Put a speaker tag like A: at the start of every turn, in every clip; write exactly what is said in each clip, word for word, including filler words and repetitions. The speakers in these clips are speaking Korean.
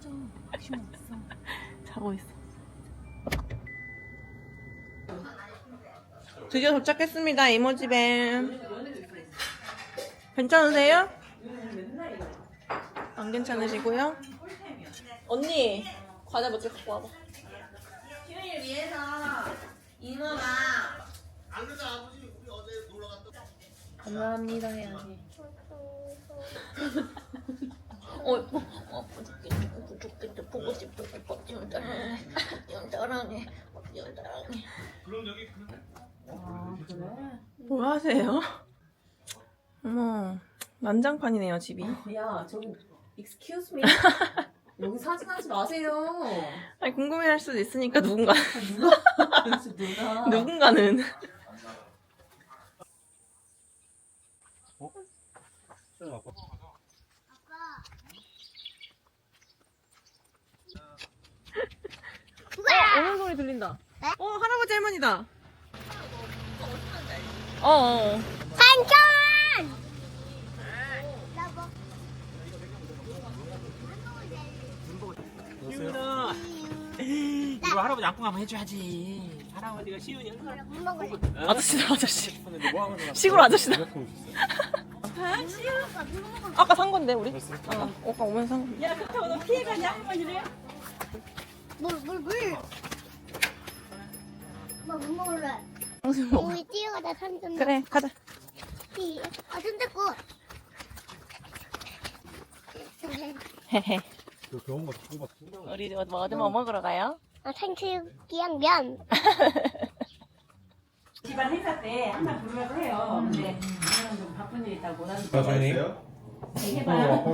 A: 자고 있어. 드디어 도착했습니다. 이모 집에. 괜찮으세요? 안 괜찮으시고요? 언니, 과자 몇 개 갖고 와봐.
B: 휴일 위해서 이모가
C: 안 그래도 아버지 우리 어제 놀러 갔다.
A: 감사합니다 해야지. 어, 어, 어, 부족해, 부족해, 보고 싶어, 뻑지운 따라해, 뻑지운 따라해, 뻑지운 따라해.
C: 그럼 여기
B: 아 그래?
A: 뭐 하세요? 어머, 난장판이네요 집이.
B: 야 저기 excuse me 여기 사진 하지 마세요.
A: 아니 궁금해할 수도 있으니까 누군가
B: 누가? 누가?
A: 누군가는. 어, 오는 소리 들린다. 어, 할아버지 할머니다. 어, 어.
D: 삼촌!
E: 시훈아 이거 할아버지 안고 가면 해줘야지. 할아버지가 시훈이
A: 아저씨다, 아저씨.
E: 했는데 뭐 하면
A: 시골 아저씨다. 아까 산 건데, 우리? 어, 아까 오면서 산 건데.
B: 야 그렇다고 너 피해가냐 할머니를?
D: 물, 물, 물! 엄마 물 먹을래?
A: 당신 먹어.
D: 우리 뛰어가다 삼촌.
A: 그래, 가자.
D: 띠. 아, 손 잡고.
A: 헤헤.
C: 그 병원 가서 뽑았어.
A: 우리 뭐, 어디 뭐 먹으러 가요?
D: 아, 탕수육이랑 면.
B: 집안 행사 때 항상 부르라고 해요. 근데 오늘은 좀 바쁜 일 있다고 못 하는 거.
C: 나중에
B: 해봐.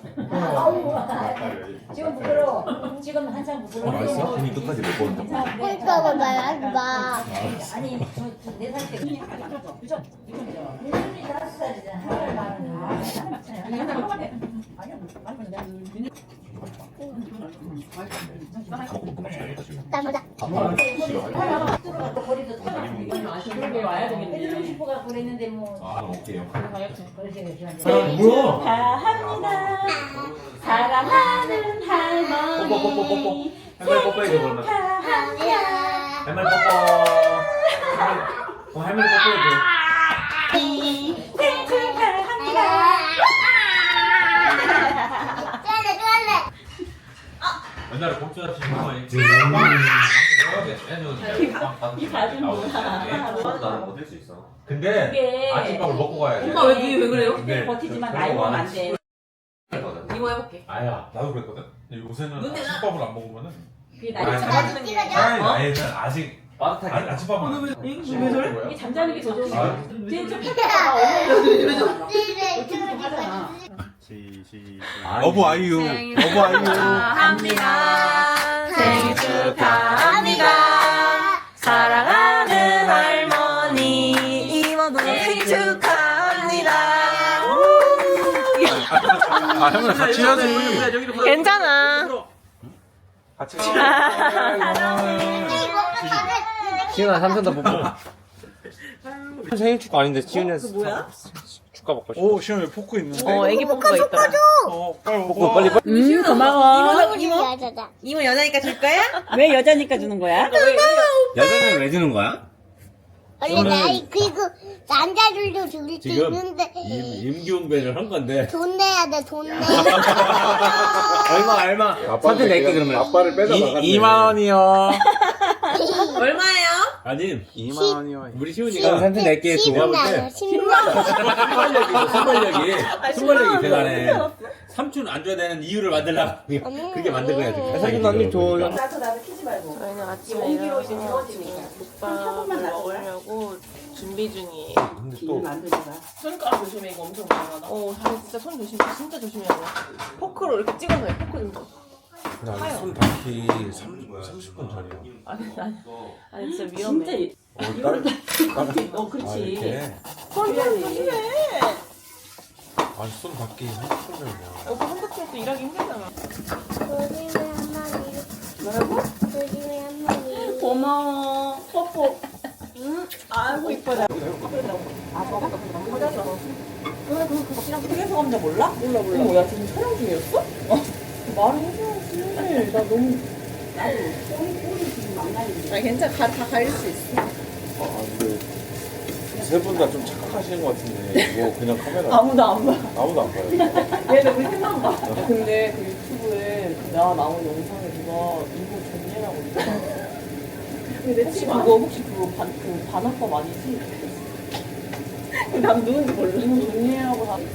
B: 지금 부끄러워. 지금 한참 부끄러워.
C: 맛있어? 분이 끝까지 못 먹었다.
D: 그러니까 뭐 말하지 마.
B: 아니 저네살 때 그냥 그죠? 그죠? 윤준이 다섯 살이잖아. 한 살 많은. 아니 한살 많네. 아니야 많은 내가
D: 나보다.
B: 거리도 그러게 와야 되겠네. 해주고 싶어가 그랬는데 뭐.
C: 아, 먹게요.
B: 그렇지 그렇지.
C: 뭐야?
B: 축하합니다. 사랑하는 할머니.
C: 뽀뽀 뽀뽀 뽀뽀. 할머니 뽀뽀해줘 그러면.
B: 축하합니다.
C: 할머니 뽀뽀. 어, 할머니 뽀뽀해줘.
B: 생일 축하합니다.
D: 쫄래, 쫄래.
C: 옛날에 공주한테 주는 거 아니지?
B: 이 바지 뭐야?
C: 나는 버틸 수 있어. 근데
B: 이게
C: 아침밥을 먹고 가야 돼.
A: 엄마 왜, 왜, 왜 그래요?
C: 근데
B: 버티지만
C: 그-
B: 나이
C: 그런 거
B: 먹으면 안
C: 많이
B: 돼.
C: 거든.
A: 이모 해볼게.
C: 아야, 나도 그랬거든. 근데 요새는
A: 눈에 나-
C: 아침밥을 안 먹으면은
B: 그게
C: 아니,
B: 나이 잠자는
D: 나도
B: 게
D: 찍어줘.
C: 아니
A: 어?
C: 나이는 아직
E: 빠듯하게.
C: 아, 아침밥은 안 해.
A: 왜 저래?
B: 이게 잠자는 게 더 좋은
C: 아.
B: 거야. 제일 좀 펴다가 어머니
D: 쫄래,
B: 하잖아.
C: 시, 시,
E: 어부 아이유.
A: 어부 아이유. 축하합니다. 생일 축하합니다. 사랑하는 할머니. 이모도 생일 축하합니다.
E: 아 형님 같이 해야지.
A: 괜찮아.
E: 같이.
D: 지훈아,
E: 삼촌 다 뽀뽀. 생일 축하 아닌데 지훈이
A: 그 뭐야?
E: 축하 먹고 싶어.
C: 오, 시험에 포크 있는데.
A: 어, 애기 포크가 있더라.
C: 어, 빨리 먹어.
E: 뽀뽀 빨리 빨리.
A: 음, 고마워.
D: 이모, 여자다.
A: 이모 여자니까 줄 거야?
B: 왜 여자니까 주는 거야?
E: 여자는 왜 주는 거야?
D: 원래 나이, 그리고 남자들도 줄 수
E: 지금
D: 있는데.
E: 임기훈배를 한 건데.
D: 돈 내야 돼, 돈 내야
E: 얼마 얼마? 삼촌 낼게 그러면.
C: 아빠를 빼다 나갔네.
E: 이만 원이요.
A: 얼마예요?
E: 아니
D: 이만
E: 원이요. 우리 시훈이가 삼촌 낼게 두 번.
D: 돼. 십만 원.
E: 순발력이 순발력이 순발력이 대단해. 삼촌 안 줘야 되는 이유를 만들라. 그게 만든 거야 지금. 삼촌 언니 줘.
B: 나도 나도 키지 말고.
A: 저희는 아침에
B: 옹기로
A: 일어나서
B: 지워지니까.
A: 지금 국밥을 먹으려고 준비 중이에요.
C: 근데
B: 길
C: 또
B: 만들다가.
A: 손가락 조심해, 이거 엄청 많아. 어, 다리 진짜 손 조심해, 진짜 조심해야 돼. 포크로 이렇게 찍어서 해, 포크 좀 줘.
C: 손 닿기 삼십 분 전이야.
A: 아니, 아니, 아니 진짜 위험해.
B: 진짜 이-
C: 어, 다른
B: 어
C: 아,
B: 그렇지.
C: 이렇게.
A: 손 조심해.
C: 아니, 손 닿기 삼십 분 전이야.
A: 오빠 한바퀴 또 일하기 힘들잖아.
D: 조심해, 한 마리.
A: 뭐라고?
D: 조심해, 한 마리.
A: 고마워. 뽀뽀. 응? 아이고, 이뻐라.
B: 아 저거 너무 커졌어. 그래 그거 그거 그냥 흑에서 감자 몰라? 몰라 몰라. 어머 야 지금 촬영 중이었어? 어. 말을 해줘야지. 나 너무 나도 꼬리 꼬리 지금 망가지는데.
A: 아 괜찮아. 가, 다 가릴 수 있어.
C: 아 근데 세 분 다 좀 착각하시는 것 같은데 이거 그냥 카메라
B: 아무도 안 봐.
C: 아무도 안 봐요.
B: 얘는 우리 팀만 봐. 근데 그 유튜브에 나 나온 영상에 누가 이거 존예라고 있더라고. 근데 혹시 그거 혹시 그거 반, 그 반합법 아니지? 난 누군지 몰라. 이거 존예라고 다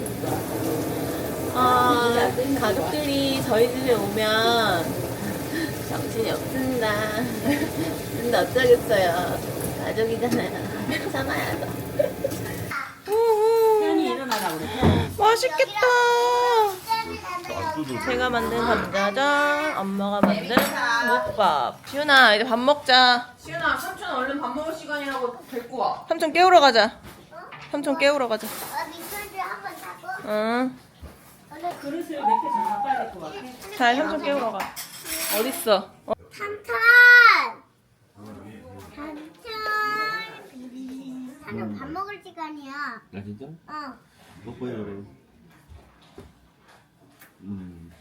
A: 아 가족들이 저희 집에 오면 정신이 없습니다. 근데 어쩌겠어요. 가족이잖아요. 참아야죠.
B: 태연이 일어나라고 그래.
A: 맛있겠다. 제가 만든 감자전, 엄마가 만든 묵밥. 시윤아 이제 밥 먹자. 시윤아 삼촌 얼른 밥 먹을 시간이라고 데리고 와. 삼촌 깨우러 가자. 삼촌 깨우러 가자.
D: 어, 미술도 한번 타고.
A: 응.
B: 그릇을 몇 개 더 바꿔야 될 것 같아.
A: 잘 삼촌 깨우러 가. 어딨어? 어?
D: 삼촌! 삼촌! 삼촌 밥 먹을 시간이야.
E: 아 진짜?
D: 어.
E: 먹고요 그래. 음.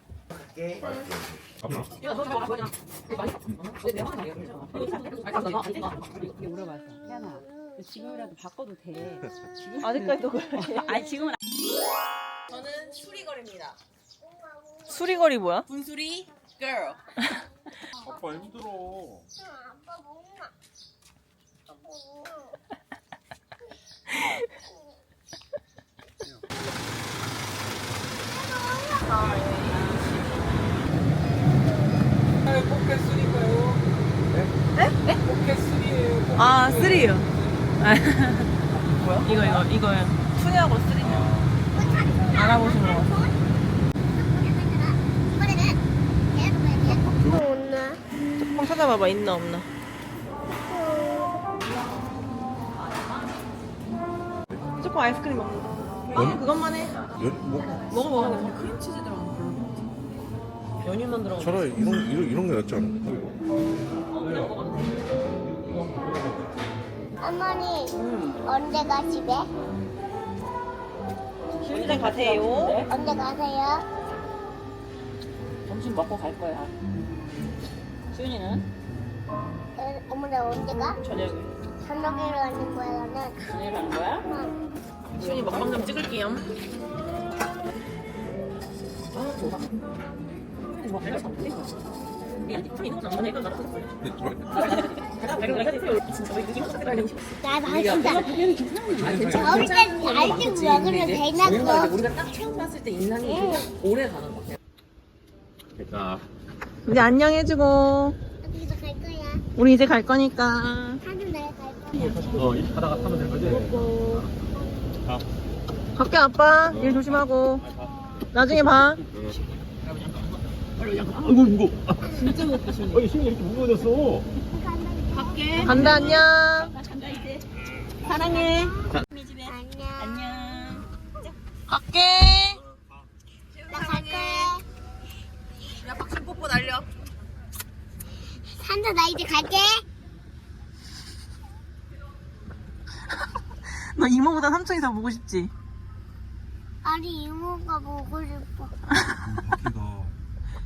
B: 물어봤어. 태연아, 지금이라도 바꿔도 돼.
A: 아직까지도 그래.
B: 아니 지금은
A: 저는 수리거리입니다. 수리거리 뭐야? 분수리 girl.
C: 아빠 힘들어.
D: 아빠 먹나? 아빠 먹나?
A: 아 쓰리요. 뭐야? 이거 이거 이거요. 투냐고 쓰리냐? 알아보신 거 같아. 조금 찾아봐봐 있나 없나. 조금 아이스크림 먹는 거. 아 그것만 해.
C: 연, 뭐
A: 먹어 먹어. 크림치즈 들어간 거 별로 것 같아. 연유만 들어간 거.
C: 차라리 이런 이런 이런 게 낫지 않아?
D: 어머니, 언제 가 집에?
A: 시윤이랑 가세요.
D: 언제 가세요?
B: 점심 먹고 갈 거야. 수윤이는
D: 어, 어머니 언제 가?
A: 저녁에.
D: 저녁에 가는 거야, 나는.
B: 저녁에 가는 거야?
D: 응.
A: 시윤이 먹방 좀 찍을게요.
D: 나 맛있다. 어릴 때 알지 먹으면 대낮고.
B: 우리가 딱 처음 봤을 때 인상이 오래 가는 거 같아.
E: 됐다.
A: 이제 안녕해주고.
D: 어디서 갈 거야?
A: 우리 이제 갈 거니까.
D: 사진 내가 갈 거야.
E: 어 이렇게 가다가 타면 되는 거지? 아.
A: 갈게 아빠. 일 조심하고. 나중에 봐.
E: 아이고 무거. 진짜 먹고 싶네. 어, 힘이 이렇게 무거워졌어.
A: 간다 안녕. 사랑해.
D: 안녕.
A: 갈게.
D: 나 갈 거야.
A: 야 박수 뽀뽀 날려.
D: 산타 나 이제 갈게.
A: 너 이모보다 삼촌이 더 보고 싶지?
D: 아니 이모가 보고 싶어.
C: 바퀴가